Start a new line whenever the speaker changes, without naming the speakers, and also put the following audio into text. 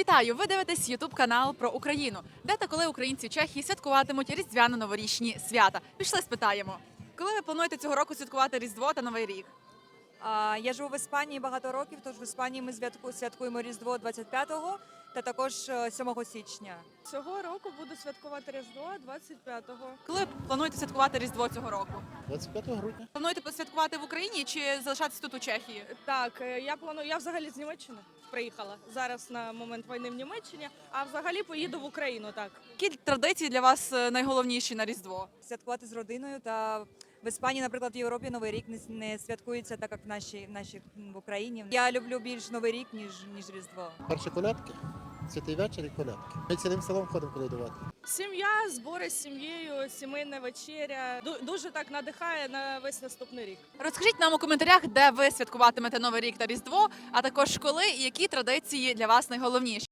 Вітаю! Ви дивитесь YouTube канал про Україну, де та коли українці в Чехії святкуватимуть різдвяно-новорічні свята. Пішли спитаємо, коли ви плануєте цього року святкувати Різдво та Новий рік?
Я живу в Іспанії багато років, тож в Іспанії ми святкуємо Різдво 25-го та також 7 січня.
Цього року буду святкувати Різдво 25-го.
Коли плануєте святкувати Різдво цього року?
25 грудня.
Плануєте посвяткувати в Україні чи залишатися тут у Чехії?
Так, я взагалі з Німеччини приїхала. Зараз на момент війни в Німеччині, а взагалі поїду в Україну, так.
Які традиції для вас найголовніші на Різдво?
Святкувати з родиною та в Іспанії, наприклад, в Європі Новий рік не святкується так, як в Україні. Я люблю більш Новий рік, ніж Різдво.
Перші колядки, святий вечір і колядки. Ми цілим селом ходимо колядувати.
Сім'я, збори з сім'єю, сімейна вечеря. Дуже так надихає на весь наступний рік.
Розкажіть нам у коментарях, де ви святкуватимете Новий рік та Різдво, а також коли і які традиції для вас найголовніші.